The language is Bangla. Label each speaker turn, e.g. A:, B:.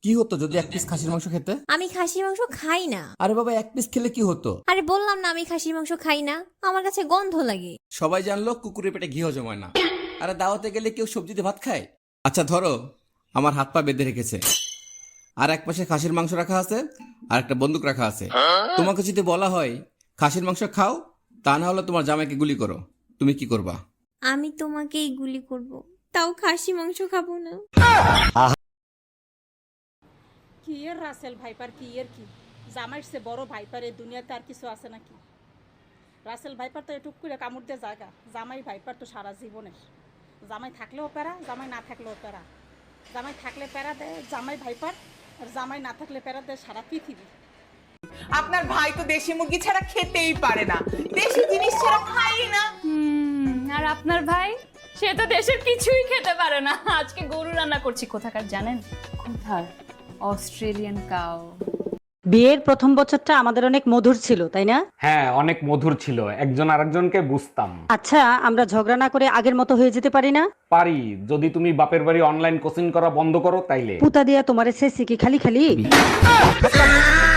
A: কি হতো যদি এক পিস খাসির মাংস খেতে?
B: আমি খাসির মাংস খাই না।
A: আরে বাবা, এক পিস খেলে কি হতো?
B: আরে বললাম না আমি খাসির মাংস খাই না, আমার কাছে গন্ধ লাগে।
A: সবাই জানলো কুকুরের পেটে ঘি হজম হয় না। আরে দাওয়াতে গেলে কেউ সবজিতে ভাত খায়? আচ্ছা ধরো আমার হাত পা বেঁধে রেখেছে, আর এক পাশে খাসির মাংস রাখা আছে, আর একটা বন্দুক রাখা আছে। তোমাকে যদি বলা হয় খাসির মাংস খাও, তা না হলে তোমার জামাইকে গুলি করো, তুমি কি করবা?
B: আমি তোমাকেই গুলি করব, তাও খাসি মাংস খাবো না।
C: কি এর রাসেল ভাইপার, কি এর কি জামাইর সে বড় ভাইপার এই দুনিয়াতে আর কিছু আছে নাকি? রাসেল ভাইপার তো এটুক করে কামড় দিয়ে জায়গা, জামাই ভাইপার তো সারা জীবনের। জামাই থাকলেও প্যারা, জামাই না থাকলেও প্যারা। জামাই থাকলে প্যারা দেয় জামাই ভাইপার, আর জামাই না থাকলে প্যারা দেয় সারা পৃথিবী।
D: আপনার ভাই তো দেশি মুরগি ছাড়া খেতেই পারে না, দেশি জিনিস ছাড়া খাই না।
E: আর আপনার ভাই, সে তো দেশের কিছুই খেতে পারে না। আজকে গরু রান্না করছি, কোথাকার জানেন? কোথার? Australian cow.
F: বিয়ের প্রথম বছরটা আমাদের অনেক মধুর ছিল, তাই না?
G: হ্যাঁ, অনেক মধুর ছিল, একজন আরেকজনকে বুঝতাম।
F: আচ্ছা, আমরা ঝগড়া না করে আগের মতো হয়ে যেতে পারি না?
G: পারি, যদি তুমি বাপের বাড়ি অনলাইন কোচিং করা বন্ধ করো তাইলে।
F: পুতা দিয়া তোমার এসে কি খালি খালি